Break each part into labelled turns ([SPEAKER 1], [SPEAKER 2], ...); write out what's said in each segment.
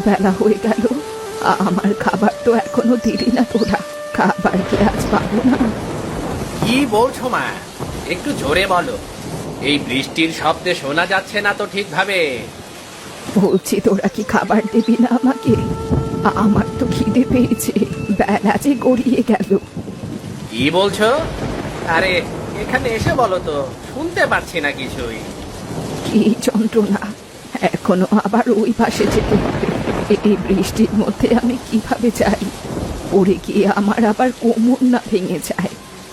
[SPEAKER 1] বেলা হয়ে গেল, আমার খাবার তো এখনো দিলি না তোরা। খাবার কি আজ পাবো না?
[SPEAKER 2] কি বলছো মা? একটু জোরে বলো, এই বৃষ্টির শব্দে শোনা যাচ্ছে না তো ঠিকভাবে।
[SPEAKER 1] বলছি তোরা কি খাবার দিবি না আমাকে? আমার তো খিদে পেয়েছে, বেলা যে গড়িয়ে গেল।
[SPEAKER 2] কি বলছো? আরে এখানে এসে বলো তো, শুনতে পাচ্ছি না কিছুই।
[SPEAKER 1] কি যন্ত্রণা! এখনো আবার ওই পাশে যেতে হবে। এই বৃষ্টির মধ্যে আমি কিভাবে যাই? পড়ে গিয়ে আমার আবার কোমর না ভেঙে যায়।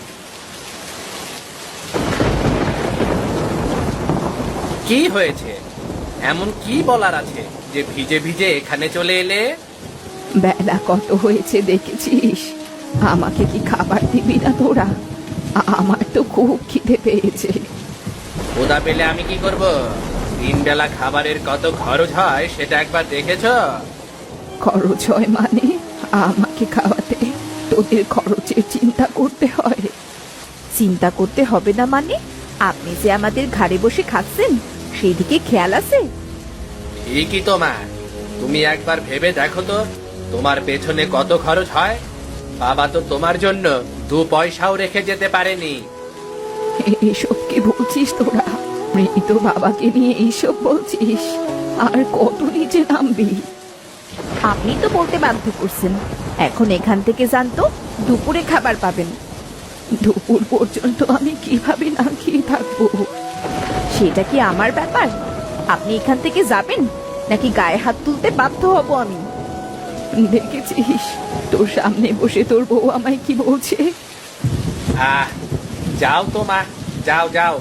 [SPEAKER 2] কি হয়েছে? এমন কি বলার আছে যে ভিজে ভিজে এখানে চলে এলে?
[SPEAKER 1] বেলা কত হয়েছে দেখেছিস? আমাকে কি খাবার দিবি না তোরা? আমার তো খুব খিদে পেয়েছে।
[SPEAKER 2] ক্ষুধা পেলে আমি কি করব? তিন বেলা খাবারের কত খরচ হয় সেটা একবার দেখেছো?
[SPEAKER 1] খরচ হয় মানে? আমাকে খাওয়াতে তোদের খরচের চিন্তা করতে হয়?
[SPEAKER 3] চিন্তা করতে হবে না মানে? আপনি যে আমাদের ঘাড়ে বসে খাচ্ছেন সেই দিকে খেয়াল আছে?
[SPEAKER 2] ঠিকই তো মা, তুমি একবার ভেবে দেখো তো, তোমার পেছনে কত খরচ হয়। বাবা তো তোমার জন্য 2 পয়সাও রেখে যেতে পারেনি।
[SPEAKER 1] এসব কি বলছিস তোরা? মৃত বাবাকে নিয়ে এইসব বলছিস? আর কত নিচে নামবি?
[SPEAKER 3] আপনি তো বলতে বাধ্য করছেন। এখন এখান থেকে যান তো, দুপুরে খাবার পাবেন।
[SPEAKER 1] দুপুর পর্যন্ত আমি কিভাবে না খেয়ে থাকবো?
[SPEAKER 3] সেটা কি আমার ব্যাপার? আপনি এখান থেকে যাবেন নাকি গায়ে হাত তুলতে বাধ্য হব আমি?
[SPEAKER 1] দেখেছিস তোর সামনে বসে তোর বউ আমায় কি বলছে?
[SPEAKER 2] আহ, যাও তো মা, যাও যাও।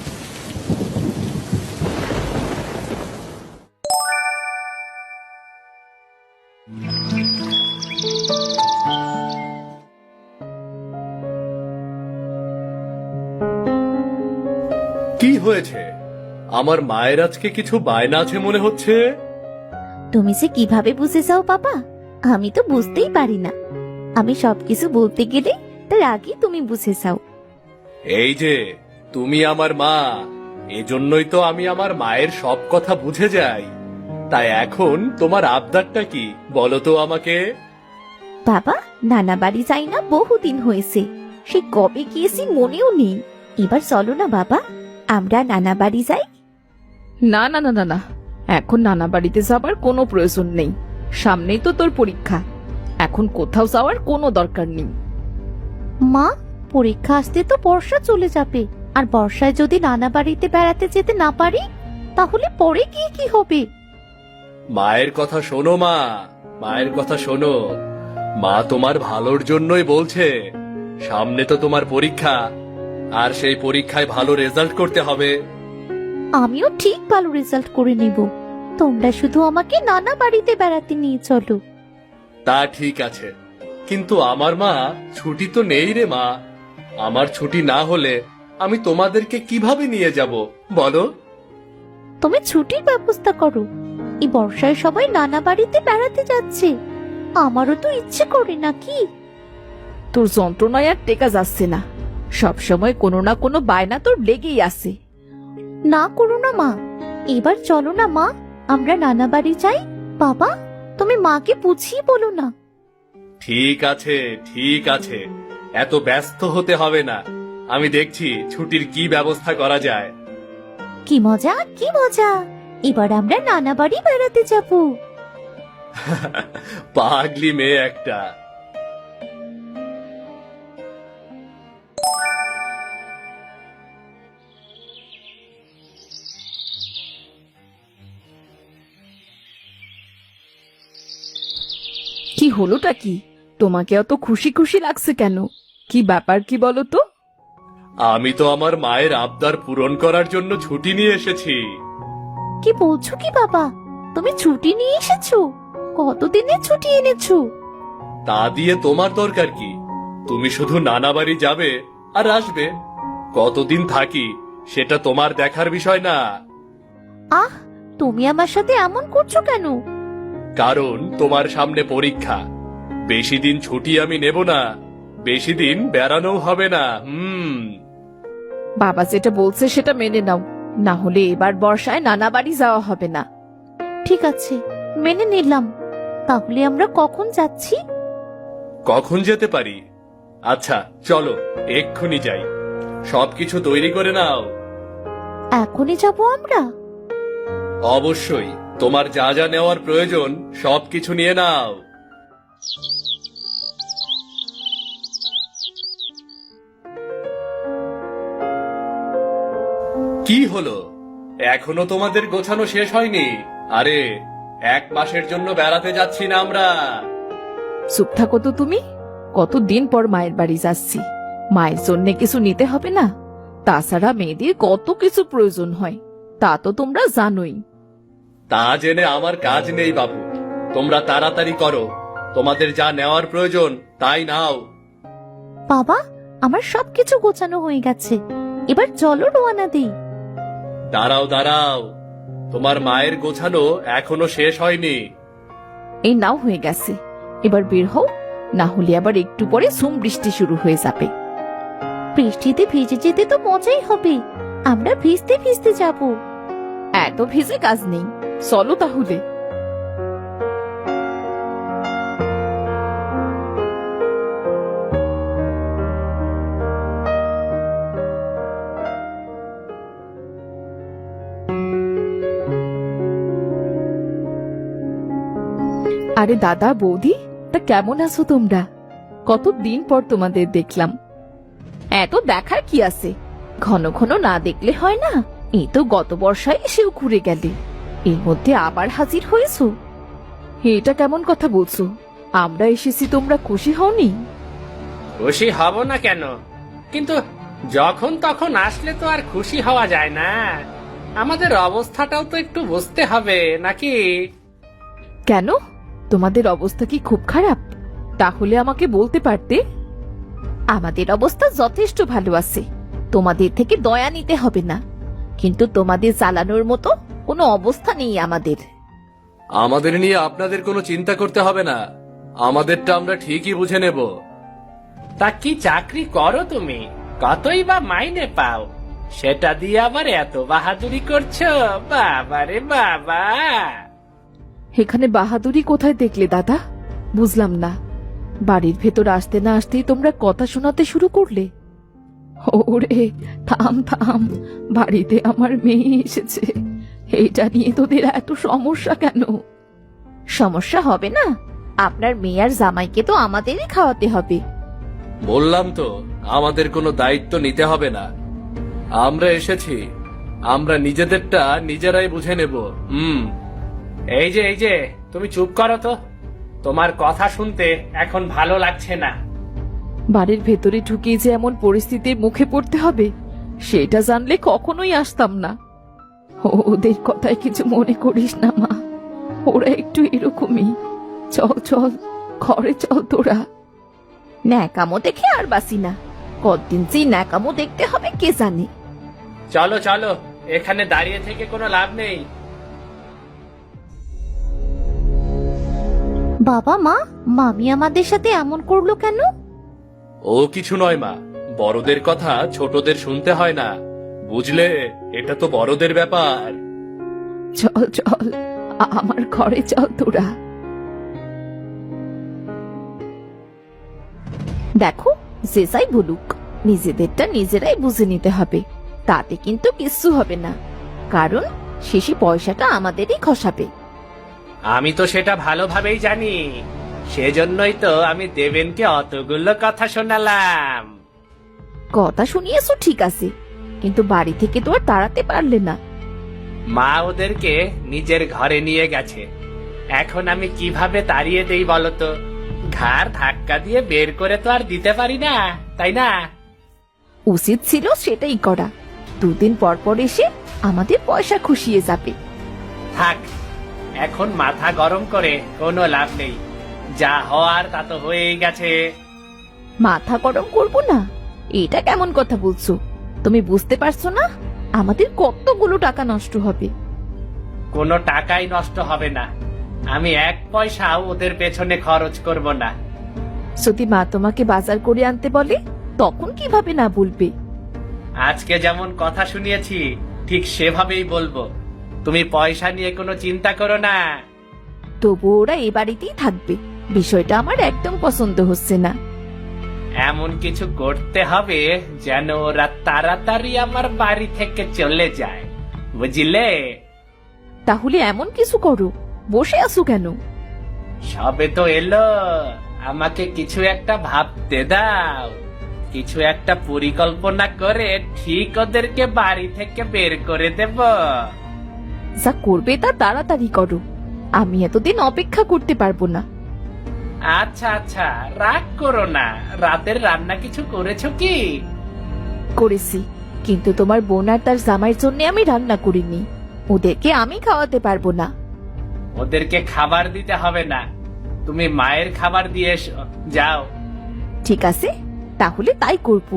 [SPEAKER 4] কি হয়েছে? আমার মায়ের আজকে কিছু বায়না আছে মনে হচ্ছে।
[SPEAKER 5] তুমি যে কিভাবে বুঝে যাও বাবা, আমি তো বুঝতেই পারি না। আমি সবকিছু বলতে গেলে তার আগে তুমি বুঝে যাও।
[SPEAKER 4] এই যে তুমি আমার মা, এজন্যই তো আমি আমার মায়ের সব কথা বুঝে যাই। তাই এখন তোমার আবদারটা কি বলো তো আমাকে।
[SPEAKER 5] বাবা, নানা বাড়ি যাই না বহুদিন হয়েছে, সে কবে গিয়েছি মনেও নেই। এবার চলো না বাবা, আমরা নানা বাড়ি যাই।
[SPEAKER 3] না না না না না, এখন নানা বাড়িতে যাবার কোনো প্রয়োজন নেই। সামনেই তো তোর পরীক্ষা, এখন কোথাও যাওয়ার কোনো দরকার নেই।
[SPEAKER 5] মা, পরীক্ষা আসতে তো বর্ষা চলে যাবে, আর বর্ষায় যদি নানা বাড়িতে বেড়াতে যেতে না পারি তাহলে পরে গিয়ে কি হবে?
[SPEAKER 4] মায়ের কথা শোনো মা, মায়ের কথা শোনো। মা তোমার ভালোর জন্যই বলছে। সামনে তো তোমার পরীক্ষা, আর সেই পরীক্ষায় ভালো রেজাল্ট করতে হবে।
[SPEAKER 5] আমিও ঠিক ভালো রেজাল্ট করে নেব, তোমরা শুধু আমাকে নানা বাড়িতে বেড়াতে নিয়ে চলো।
[SPEAKER 4] তা ঠিক আছে, কিন্তু আমার মা ছুটি তো নেই রে মা। আমার ছুটি না হলে আমি তোমাদেরকে কিভাবে নিয়ে যাব বলো?
[SPEAKER 5] তুমি ছুটির ব্যবস্থা করো। এই বর্ষায় সবাই নানা বাড়িতে বেড়াতে যাচ্ছে, আমারও তো ইচ্ছে করে নাকি।
[SPEAKER 3] তোর যন্ত্রণায় আর টেকা যাচ্ছে না, সব সময় কোনো না কোনো বায়না তোর লেগেই আছে।
[SPEAKER 5] না করো না মা, এবার চলো না মা, আমরা নানা বাড়ি যাই। বাবা, তুমি মাকে বুঝিয়ে বলো না।
[SPEAKER 4] ঠিক আছে, ঠিক আছে, এত ব্যস্ত হতে হবে না। আমি দেখছি ছুটির কি ব্যবস্থা করা যায়।
[SPEAKER 5] কি মজা, কি মজা, এবার আমরা নানা বাড়ি বেড়াতে যাবো।
[SPEAKER 4] পাগলি মেয়ে একটা।
[SPEAKER 3] কি হলোটা কি? তোমাকে অত খুশি খুশি লাগছে কেন? কি ব্যাপার কি বলো তো?
[SPEAKER 4] আমি তো আমার মায়ের আবদার পূরণ করার জন্য ছুটি নিয়ে এসেছি।
[SPEAKER 5] কি বলছো কি বাবা, তুমি ছুটি নিয়ে এসেছো? কতদিনের ছুটি এনেছো?
[SPEAKER 4] তা দিয়ে তোমার দরকার কি? তুমি শুধু নানা বাড়ি যাবে আর আসবে। কতদিন থাকি সেটা তোমার দেখার বিষয় না।
[SPEAKER 5] আহ, তুমি আমার সাথে এমন করছো কেন?
[SPEAKER 4] কারণ তোমার সামনে পরীক্ষা। বেশি দিন ছুটি আমি নেব না, বেশি দিন বেড়ানো হবে না।
[SPEAKER 3] বাবা যেটা বলছে সেটা মেনে নাও, না হলে এবার বর্ষায় নানা বাড়ি যাওয়া হবে না।
[SPEAKER 5] ঠিক আছে, মেনে নিলাম, তাহলে আমরা কখন যাচ্ছি?
[SPEAKER 4] কখন যেতে পারি? আচ্ছা চলো, এক্ষুনি যাই। সবকিছু তৈরি করে নাও।
[SPEAKER 5] এখনই যাব আমরা?
[SPEAKER 4] অবশ্যই, তোমার যা যা নেওয়ার প্রয়োজন সবকিছু নিয়ে নাও। কি হলো, এখনো তোমাদের গোছানো শেষ হয়নি? আরে, 1 মাসের জন্য বেড়াতে যাচ্ছি না আমরা।
[SPEAKER 3] চুপ থাকো তো তুমি। কতদিন পর মায়ের বাড়ি যাচ্ছি, মায়ের জন্য কিছু নিতে হবে না? তাছাড়া মেয়েদের কত কিছু প্রয়োজন হয়, তা তো তোমরা জানোই।
[SPEAKER 4] তা জেনে আমার কাজ নেই বাবু, তোমরা তাড়াতাড়ি করো। তোমাদের যা নেওয়ার প্রয়োজন তাই নাও।
[SPEAKER 5] বাবা, আমার সবকিছু গোছানো হয়ে গেছে, এবার চলো রওনা দেই।
[SPEAKER 4] দাঁড়াও দাঁড়াও, তোমার মায়ের গোছানো এখনো শেষ হয়নি।
[SPEAKER 3] এই নাও হয়ে গেছে, এবার বের হও, না হলে আবার একটু পরে ঝুম বৃষ্টি শুরু হয়ে যাবে।
[SPEAKER 5] বৃষ্টিতে ভিজে যেতে তো মজাই হবে, আমরা ভিজতে ভিজতে যাব।
[SPEAKER 3] এত ভিজে কাজ নেই, চলো তাহলে। আরে দাদা বৌদি, তা কেমন আছো তোমরা? কতদিন পর তোমাদের দেখলাম। এত দেখার কি আছে, ঘন ঘন না দেখলে হয় না? এই তো গত বর্ষায় এসেও ঘুরে গেলে, এর মধ্যে আবার হাজির হয়েছো। এটা কেমন কথা বলছো? আমরা এসেছি, তোমরা খুশি হওনি?
[SPEAKER 2] খুশি হব না কেন, কিন্তু যখন তখন আসলে তো আর খুশি হওয়া যায় না। আমাদের অবস্থাটাও তো একটু বুঝতে হবে নাকি?
[SPEAKER 3] কেন, তোমাদের অবস্থা কি খুব খারাপ? তাহলে আমাকে বলতে পারতে। আমাদের অবস্থা যথেষ্ট ভালো আছে, তোমাদের থেকে দয়া নিতে হবে না, কিন্তু তোমাদের চালানোর মতো কোনো অবস্থা নেই আমাদের।
[SPEAKER 4] আমাদের নিয়ে আপনাদের কোনো চিন্তা করতে হবে না, আমাদেরটা আমরা ঠিকই বুঝে নেব।
[SPEAKER 2] তা কি চাকরি করো তুমি? কতই বা মাইনে পাও? সেটা দিয়ে আবার এত বাহাদুরি করছো? বাবারে বাবা!
[SPEAKER 3] এখানে বাহাদুরি কোথায় দেখলে দাদা? বুঝলাম না। বাড়ির ভেতর আসতে না আসতেই তোমরা কথা শোনাতে শুরু করলে। ওরে থাম থাম, বাড়িতে আমার মেয়ে এসেছে, এইটা নিয়ে তোদের এত সমস্যা কেন?
[SPEAKER 5] সমস্যা হবে না, আপনার মেয়ে আর জামাইকে তো আমাদেরই খাওয়াতে হবে।
[SPEAKER 4] বললাম তো, আমাদের কোনো দায়িত্ব নিতে হবে না। আমরা এসেছি, আমরা নিজেদেরটা নিজেরাই বুঝে নেব।
[SPEAKER 2] এই যে তুমি চুপ করো তো, তোমার কথা শুনতে এখন ভালো লাগছে না।
[SPEAKER 3] বাড়ির ভেতরে ঢুকিয়ে যে এমন পরিস্থিতির মুখে পড়তে হবে, সেটা জানলে কখনোই আসতাম না। ওদের কথায় কিছু মনে করিস না মা, ওরা একটু এরকমই। চল চল, ঘরে চল তোরা।
[SPEAKER 5] ন্যাকামো দেখে আর বাসি না, কতদিন যে ন্যাকামো দেখতে হবে কে জানে।
[SPEAKER 2] চলো চলো, এখানে দাঁড়িয়ে থেকে কোনো লাভ নেই।
[SPEAKER 5] বাবা মা, মামি আমাদের সাথে এমন করলো কেন?
[SPEAKER 4] ও কিছু নয় মা, বড়দের কথা ছোটদের শুনতে হয় না, বুঝলে? এটা তো বড়দের ব্যাপার।
[SPEAKER 3] চল চল, আমার ঘরে চল তোরা।
[SPEAKER 5] দেখো, যে যাই বলুক, নিজেদেরটা নিজেরাই বুঝে নিতে হবে, তাতে কিন্তু কিচ্ছু হবে না, কারণ শেষে পয়সাটা আমাদেরই খসাবে।
[SPEAKER 2] আমি তো সেটা ভালোভাবেই জানি, সেজন্যই তো আমি দেবেনকে অতগুলো কথা শোনালাম।
[SPEAKER 5] কথা শুনিয়েছো ঠিক আছে, কিন্তু বাড়ি থেকে তো আর তাড়াতে পারলে না।
[SPEAKER 2] মা ওদেরকে নিজের ঘরে নিয়ে গেছে, এখন আমি কিভাবে তাড়িয়ে দেই বলতো? ঘাড় ধাক্কা দিয়ে বের করে তো আর দিতে পারি না, তাই না?
[SPEAKER 5] উচিত ছিল সেটাই করা, দুদিন পর পর এসে আমাদের পয়সা খুশিয়ে যাবে।
[SPEAKER 2] থাক, এখন মাথা গরম করে কোনো লাভ নেই, যা হওয়ার তা তো হয়েই গেছে।
[SPEAKER 5] মাথা গরম করবো না, এটা কেমন কথা বলছো? তুমি বুঝতে পারছো না আমাদের কতগুলো টাকা নষ্ট হবে?
[SPEAKER 2] কোনো টাকাই নষ্ট হবে না, আমি 1 পয়সাও ওদের পেছনে খরচ করব না।
[SPEAKER 3] যদি মা তোমাকে বাজার করে আনতে বলে, তখন কিভাবে না বলবে?
[SPEAKER 2] আজকে যেমন কথা শুনিয়েছি ঠিক সেভাবেই বলবো, তুমি পয়সা নিয়ে কোনো চিন্তা করো না।
[SPEAKER 5] তবু ওরা এ বাড়িতেই থাকবে। বিষয়টা আমার একদম পছন্দ হচ্ছে না।
[SPEAKER 2] এমন কিছু করতে হবে যেন ওরা তাড়াতাড়ি আমার বাড়ি থেকে চলে যায়, বুঝলে?
[SPEAKER 3] তাহলে এমন কিছু করো, বসে আছো কেন?
[SPEAKER 2] সবে তো এলো, আমাকে কিছু একটা ভাবতে দাও। কিছু একটা পরিকল্পনা করে ঠিক ওদেরকে বাড়ি থেকে বের করে দেব।
[SPEAKER 3] যা করবে তা তাড়াতাড়ি করো, আমি এতদিন অপেক্ষা করতে পারবো না।
[SPEAKER 2] আচ্ছা আচ্ছা, রাগ করো না। রাতের রান্না কিছু করেছো কি?
[SPEAKER 3] করেছি, কিন্তু তোমার বোন আর তার জামাইয়ের জন্য আমি রান্না করিনি। ওদেরকে আমি খাওয়াতে পারবো না।
[SPEAKER 2] ওদেরকে খাবার দিতে হবে না, তুমি মায়ের খাবার দিয়ে এসো, যাও।
[SPEAKER 3] ঠিক আছে, তাহলে তাই করবো।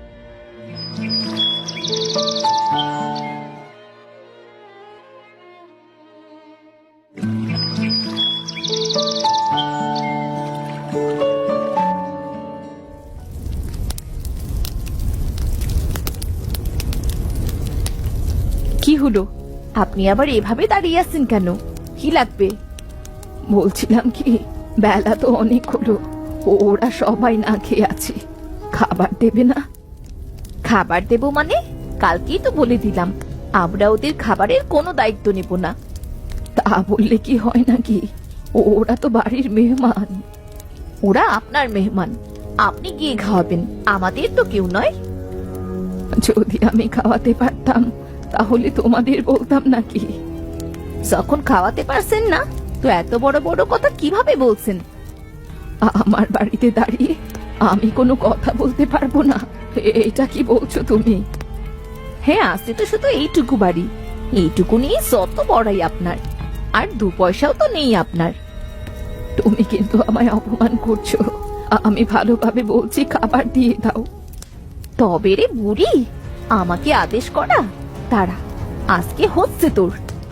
[SPEAKER 3] কি হলো, আপনি আবার এভাবে দাঁড়িয়ে আছেন কেন? কি লাগবে?
[SPEAKER 1] বলছিলাম কি, বেলা তো অনেক হলো, ওরা সবাই না খেয়ে আছে, খাবার দেবে না?
[SPEAKER 3] খাবার দেব মানে? কালকেই তো বলে দিলাম আমরা ওদের খাবারের কোনো দায়িত্ব নেব না।
[SPEAKER 1] তা বললে কি হয় নাকি? ওরা তো বাড়ির মেহমান।
[SPEAKER 3] ওরা আপনার মেহমান, আপনি গিয়ে খাওয়াবেন, আমাদের তো কেউ নয়।
[SPEAKER 1] যদি আমি খাওয়াতে পারতাম তাহলে তোমাদের বলতাম নাকি?
[SPEAKER 3] যখন খাওয়াতে পারছেন না, তো এত বড় বড় কথা কিভাবে বলছেন?
[SPEAKER 1] আমার বাড়িতে দাঁড়িয়ে আমি কোনো কথা বলতে পারবো না, এটা কি বলছো তুমি?
[SPEAKER 3] হ্যাঁ, আছে তো শুধু এইটুকু বাড়ি, এইটুকু নিয়ে যত বড়াই আপনার, আর 2 পয়সাও তো নেই আপনার।
[SPEAKER 1] তুমি কিন্তু আমায় অপমান করছো। আমি ভালোভাবে বলছি, খাবার দিয়ে দাও।
[SPEAKER 3] তবে রে বুড়ি, আমাকে আদেশ করা? তারা আজকে হচ্ছে তোর।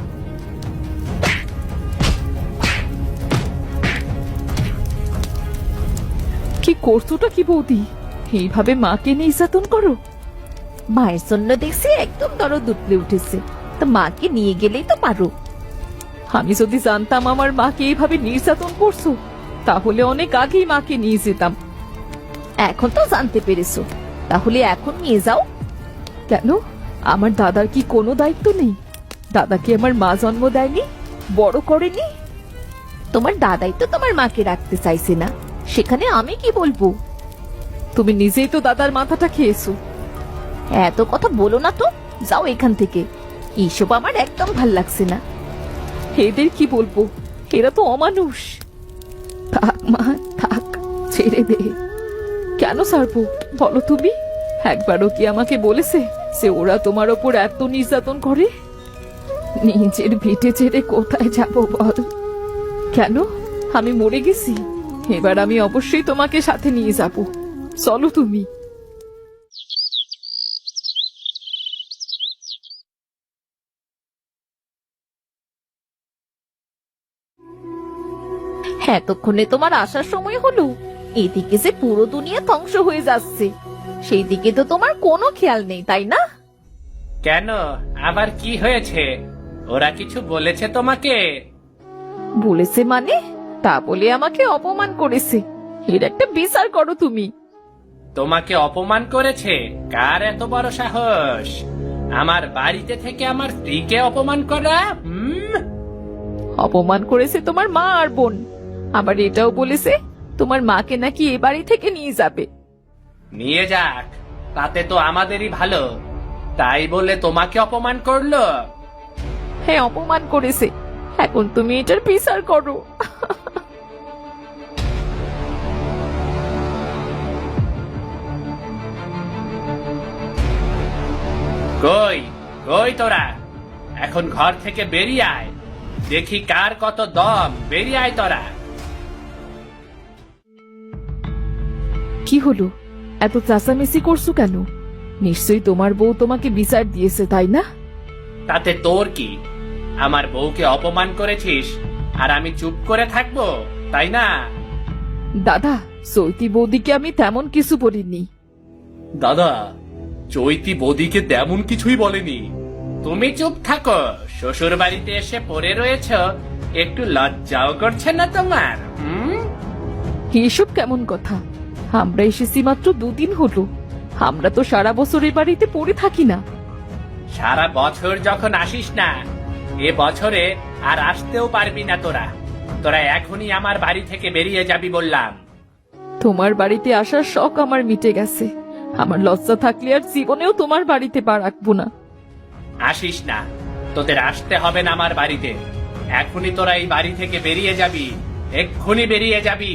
[SPEAKER 1] কি করছোটা কি বৌদি? এইভাবে মাকে নির্যাতন করো?
[SPEAKER 3] মায়ের জন্য দেখছি একদম দরদ উঠলে উঠেছে, তো মাকে নিয়ে গেলেই তো পারো।
[SPEAKER 1] আমি যদি জানতাম আমার মাকে এইভাবে নির্যাতন করছো, তাহলে অনেক আগেই মাকে নিয়ে যেতাম।
[SPEAKER 3] এখন তো জানতে পেরেছো, তাহলে এখন নিয়ে যাও।
[SPEAKER 1] কেন? আমার দাদার কি কোনো দায়িত্ব নেই? দাদা কি আমার মা জন্ম দেয়নি, বড় করেনি?
[SPEAKER 3] তোমার দাদাই তো তোমার মাকে রাখতে চাইছে না, সেখানে আমি কি বলবো?
[SPEAKER 1] তুমি নিজেই তো দাদার মাথাটা খেয়েছো।
[SPEAKER 3] এত কথা বলো না তো, যাও এখান থেকে। এইসব আমার একদম ভাল লাগছে না।
[SPEAKER 1] এদের কি বলবো, এরা তো অমানুষ। থাক মা থাক, ছেড়ে দে। কেন ছাড়বো বলো তুমি? একবারও কি আমাকে বলেছে যে ওরা তোমার ওপর এত নির্যাতন করে? নিজের ভিটে ছেড়ে কোথায় যাব বল? কেন, আমি মরে গেছি? এবার আমি অবশ্যই তোমাকে সাথে নিয়ে যাব, চলো তুমি।
[SPEAKER 3] এতক্ষণে তোমার আসার সময় হলো? এদিকে যে পুরো দুনিয়া ধ্বংস হয়ে যাচ্ছে, সেই দিকে তো তোমার কোনো খেয়াল নেই, তাই না?
[SPEAKER 2] কেন, আবার কি হয়েছে? ওরা কিছু বলেছে তোমাকে?
[SPEAKER 3] বলেছে মানে? তা বলে আমাকে অপমান করেছে, এর একটা বিচার করো তুমি।
[SPEAKER 2] তোমাকে অপমান করেছে? কার এত বড় সাহস আমার বাড়িতে থেকে আমার স্ত্রীকে অপমান করা?
[SPEAKER 1] অপমান করেছে তোমার মা আর বোন, আবার এটাও বলেছে তোমার মাকে নাকি এ বাড়ি থেকে নিয়ে যাবে।
[SPEAKER 2] নিয়ে যাক, তাতে তো আমাদেরই ভালো। তাই বলে তোমাকে অপমান করলো?
[SPEAKER 1] হ্যাঁ, অপমান করেছে, এখন তুমি এটার বিচার করো।
[SPEAKER 2] কই কই তোরা, এখন ঘর থেকে বেরিয়ে আয়, দেখি কার কত দম। বেরিয়ে আয় তোরা।
[SPEAKER 1] কি হলো, এত চাচামেচি করছো কেন? নিশ্চয়ই তোমার বউ তোমাকে বিচার দিয়েছে, তাই না?
[SPEAKER 2] তাতে তোর কি? আমার বউকে অপমান করেছিস আর আমি চুপ করে থাকবো, তাই না?
[SPEAKER 1] দাদা, চৈতি বৌদিকে আমি তেমন কিছু বলিনি।
[SPEAKER 4] দাদা, চৈতি বৌদিকে তেমন কিছুই বলেনি।
[SPEAKER 2] তুমি চুপ থাকো, শ্বশুর বাড়িতে এসে পড়ে রয়েছ, একটু লজ্জাও করছে না তোমার?
[SPEAKER 1] এসব কেমন কথা? আমরা এসেছি মাত্র 2 দিন হলো। আমরা তো সারা বছর এ বাড়িতে পড়ে থাকি না।
[SPEAKER 2] সারা বছর যখন আসিস না, এ বছরে আর আসতেও পারবি না তোরা। তোরা এখনই আমার বাড়ি থেকে বেরিয়ে যাবি বললাম।
[SPEAKER 1] তোমার বাড়িতে আসার শখ আমার মিটে গেছে। আমার লজ্জা থাকলে আর জীবনেও তোমার বাড়িতে পা রাখবো না।
[SPEAKER 2] আসিস না, তোদের আসতে হবে না আমার বাড়িতে। এখনই তোরা এই বাড়ি থেকে বেরিয়ে যাবি, এক্ষুনি বেরিয়ে যাবি।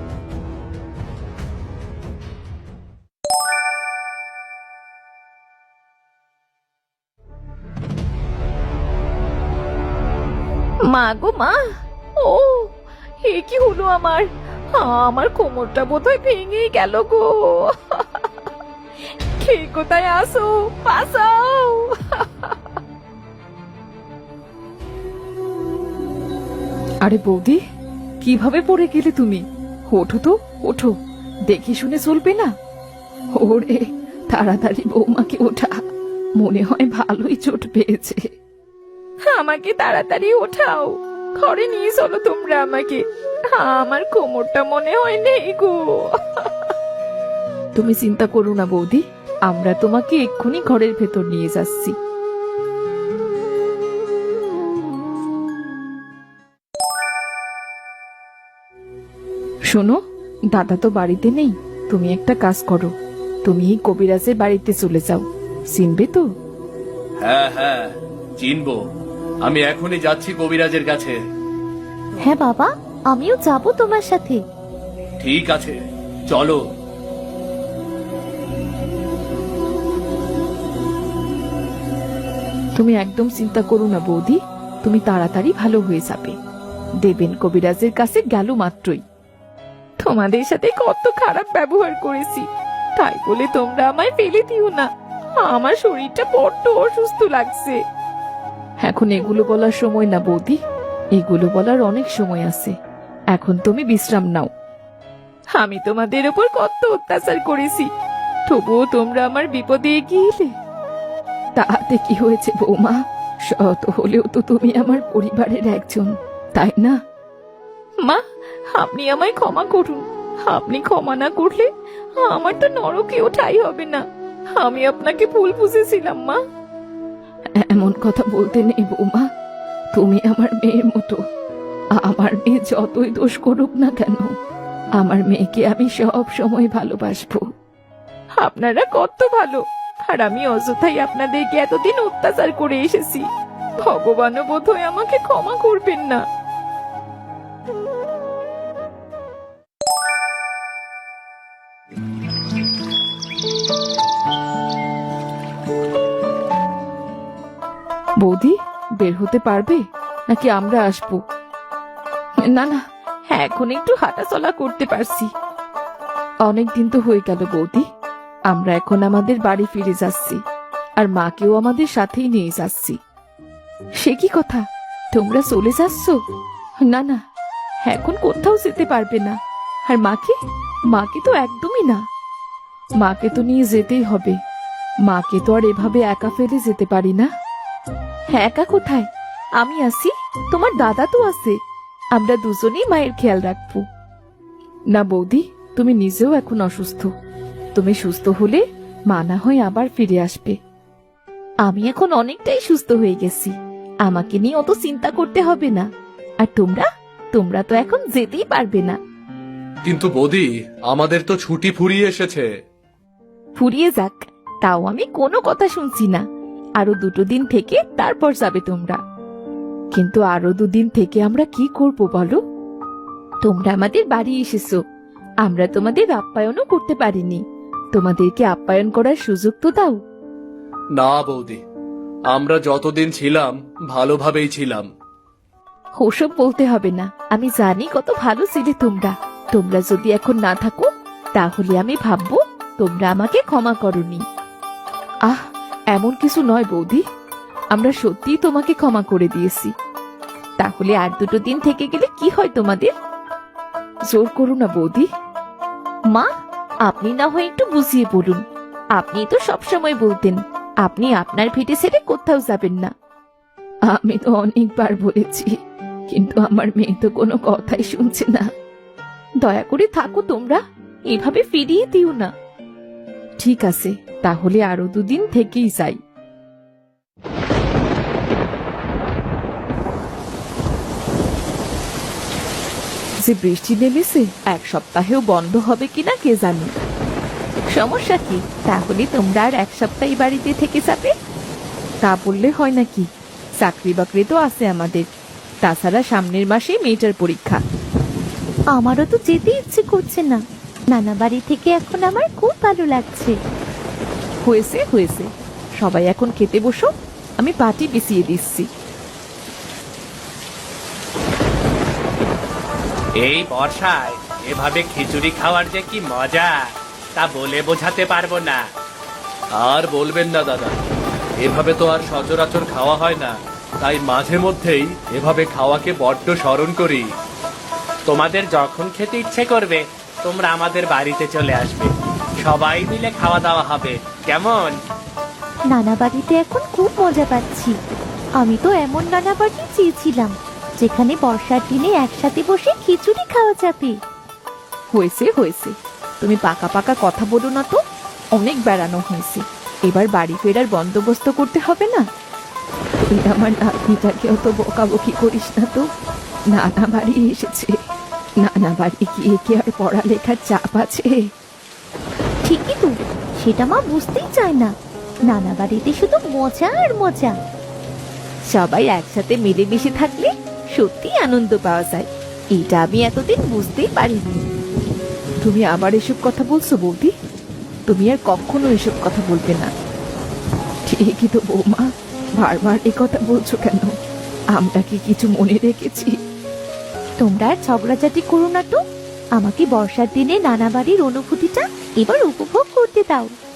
[SPEAKER 3] মা গো মা, ও এ কি হলো আমার? আমার কোমরটা বোধহয় ভেঙে গেল গো। কে কোথায় আসো, বাঁচাও।
[SPEAKER 1] আরে বৌদি, কিভাবে পড়ে গেলে তুমি? ওঠো তো, ওঠো। দেখে শুনে চলবে না। ওরে, তাড়াতাড়ি বৌমাকে ওঠা। মনে হয় ভালোই চোট পেয়েছে।
[SPEAKER 3] আমাকে তাড়াতাড়ি ওঠাও, ঘরে নিয়ে চলো তোমরা আমাকে। আমার কোমরটা মনে হয় নেই গো।
[SPEAKER 1] তুমি চিন্তা করো না বৌদি, আমরা তোমাকে এক্ষুনি ঘরের ভেতর নিয়ে যাচ্ছি। শোনো, দাদা তো বাড়িতে নেই। তুমি একটা কাজ করো, তুমি এই কবিরাজের বাড়িতে চলে যাও। চিনবে তো?
[SPEAKER 4] হ্যাঁ হ্যাঁ, চিনবো। আমি এখনই যাচ্ছি কবিরাজের কাছে।
[SPEAKER 5] হ্যাঁ বাবা, আমিও যাব তোমার সাথে।
[SPEAKER 4] ঠিক আছে, চলো।
[SPEAKER 1] তুমি একদম চিন্তা করো না বৌদি, তুমি তাড়াতাড়ি ভালো হয়ে যাবে। দেবেন কবিরাজের কাছে গেল মাত্রই।
[SPEAKER 3] তোমাদের সাথে কত খারাপ ব্যবহার করেছি, তাই বলে তোমরা আমায় ফেলে দিও না। আমার শরীরটা বড্ড অসুস্থ লাগছে।
[SPEAKER 1] এখন এগুলো বলার সময় না বৌদি, এগুলো বলার অনেক সময় আছে। এখন তুমি বিশ্রাম নাও।
[SPEAKER 3] আমি তোমাদের উপর কত অত্যাচার করেছি, তবুও তোমরা আমার বিপদে এগিয়ে এলে।
[SPEAKER 1] তাতে কি হয়েছে বৌমা? শত হলেও তো তুমি আমার পরিবারের একজন, তাই না?
[SPEAKER 3] মা, আপনি আমায় ক্ষমা করুন। আপনি ক্ষমা না করলে আমার তো নরকেও ঠাঁই হবে না। আমি আপনাকে ভুল বুঝেছিলাম মা।
[SPEAKER 1] এমন কথা বলতে নেই বৌমা, তুমি আমার মেয়ের মতো। আমার মেয়ে যতই দোষ করুক না কেন, আমার মেয়েকে আমি সব সময় ভালোবাসবো।
[SPEAKER 3] আপনারা কত ভালো, আর আমি অযথাই আপনাদেরকে এতদিন অত্যাচার করে এসেছি। ভগবানও বোধহয় আমাকে ক্ষমা করবেন না।
[SPEAKER 1] বৌদি, বের হতে পারবে নাকি আমরা আসবো?
[SPEAKER 3] না না, এখন একটু হাঁটাচলা করতে পারছি।
[SPEAKER 1] অনেক দিন তো হয়ে গেল বৌদি। আমরা এখন আমাদের বাড়ি ফিরে যাচ্ছি, আর মাকেও আমাদের সাথেই নিয়ে যাচ্ছি। সে কি কথা, তোমরা চলে যাচ্ছ? না না, এখন কোথাও যেতে পারবে না। আর মাকে, মাকে তো একদমই না। মাকে তো নিয়ে যেতেই হবে। মাকে তো আর এভাবে একা ফেলে যেতে পারি না।
[SPEAKER 3] হ্যাঁ, একা কোথায়? আমি আছি, তোমার দাদা তো আছে। আমরা দুজনেই মায়ের খেয়াল রাখবো।
[SPEAKER 1] না বৌদি, তুমি নিজেও এখন অসুস্থ। তুমি সুস্থ হলে মা না হয় আবার ফিরে আসবে।
[SPEAKER 3] আমি এখন অনেকটাই সুস্থ হয়ে গেছি, আমাকে নিয়ে অত চিন্তা করতে হবে না। আর তোমরা তো এখন যেতেই পারবে না।
[SPEAKER 4] কিন্তু বৌদি, আমাদের তো ছুটি ফুরিয়ে এসেছে।
[SPEAKER 3] ফুরিয়ে যাক, তাও আমি কোনো কথা শুনছি না। আরো 2 দিন থেকে তারপর যাবে তোমরা।
[SPEAKER 1] কিন্তু আরো 2 দিন থেকে আমরা কি করব বলো?
[SPEAKER 3] তোমরা আমাদের বাড়ি এসেছো, আমরা তোমাদের আপ্যায়নও করতে পারিনি।
[SPEAKER 1] তোমাদেরকে আপ্যায়ন করার সুযোগ তো দাও।
[SPEAKER 4] না বৌদি, আমরা যতদিন ছিলাম ভালোভাবেই ছিলাম।
[SPEAKER 3] ওসব বলতে হবে না, আমি জানি কত ভালো ছিলে তোমরা। তোমরা যদি এখন না থাকো, তাহলে আমি ভাববো তোমরা আমাকে ক্ষমা করনি।
[SPEAKER 1] আহ, এমন কিছু নয় বৌদি, আমরা সত্যিই তোমাকে ক্ষমা করে দিয়েছি।
[SPEAKER 3] তাহলে আর 2 দিন থেকে গেলে কি হয় তোমাদের?
[SPEAKER 1] জোর করো না বৌদি।
[SPEAKER 3] মা, আপনি না হয় একটু বুঝিয়ে বলুন। আপনি তো সবসময় বলতেন আপনি আপনার ভিটে ছেড়ে কোথাও যাবেন না। আমি তো অনেকবার বলেছি, কিন্তু আমার মেয়ে তো কোনো কথাই শুনছে না। দয়া করে থাকো তোমরা, এভাবে ফিরিয়ে দিও না। ঠিক আছে, তাহলে আরো 2 দিন থেকেই যাই। যে বৃষ্টি নেমেছে, 1 সপ্তাহেও বন্ধ হবে কিনা কে জানে। সমস্যা কি? তাহলে তোমরা আর 1 সপ্তাহ এই বাড়িতে থেকে যাবে? তা বললে হয় নাকি? চাকরি বাকরি তো আছে আমাদের, তাছাড়া সামনের মাসে মেয়েটার পরীক্ষা।
[SPEAKER 5] আমারও তো যেতে ইচ্ছে করছে না। নানা বাড়ি থেকে এখন আমার খুব ভালো লাগছে।
[SPEAKER 3] হয়েছে হয়েছে, সবাই এখন খেতে বসো, আমি পাটি বিছিয়ে দিচ্ছি।
[SPEAKER 2] এই বর্ষায় এভাবে খিচুড়ি খাওয়ার যে কি মজা তা বলে বোঝাতে পারবো না।
[SPEAKER 4] আর বলবেন না দাদা, এভাবে তো আর সচরাচর খাওয়া হয় না, তাই মাঝে মধ্যেই এভাবে খাওয়াকে বড্ড স্মরণ করি।
[SPEAKER 2] তোমাদের যখন খেতে ইচ্ছে করবে তোমরা আমাদের বাড়িতে চলে আসবে, সবাই মিলে খাওয়া দাওয়া হবে, কেমন?
[SPEAKER 5] নানা বাড়িতে এখন খুব মজা পাচ্ছি। আমি তো এমন নানা বাড়ি চেয়েছিলাম যেখানে বর্ষার দিনে একসাথে বসে খিচুড়ি খাওয়া যাবে।
[SPEAKER 3] হয়েছে হয়েছে, তুমি পাকা পাকা কথা বলো না তো। অনেক বেড়ানো হয়েছে, এবার বাড়ি ফেরার বন্দোবস্ত করতে হবে না? তুই আমার নাতনিটাকে অত বকাবকি করিস না তো। নানা বাড়ি এসেছে, নানা বাড়ি গিয়ে কি আর পড়ালেখার চাপ আছে?
[SPEAKER 5] ঠিকই তো, সেটা মা বুঝতেই চায় না। নানা বাড়িতে শুধু মজা আর মজা।
[SPEAKER 3] সবাই একসাথে মিলেমিশে থাকলে সত্যি আনন্দ পাওয়া যায়, এটা আমি এতদিন বুঝতেই পারিনি। তুমি আবার এসব কথা বলছো বৌদি? তুমি আর কখনো এসব কথা বলবে না। ঠিকই তো বৌমা, বারবার এ কথা বলছো কেন? আমরা কি কিছু মনে রেখেছি?
[SPEAKER 5] তোমরা আর ঝগড়াঝাটি করো না তো। আমাকে বর্ষার দিনে নানা বাড়ির অনুভূতিটা এবার উপভোগ করতে দাও।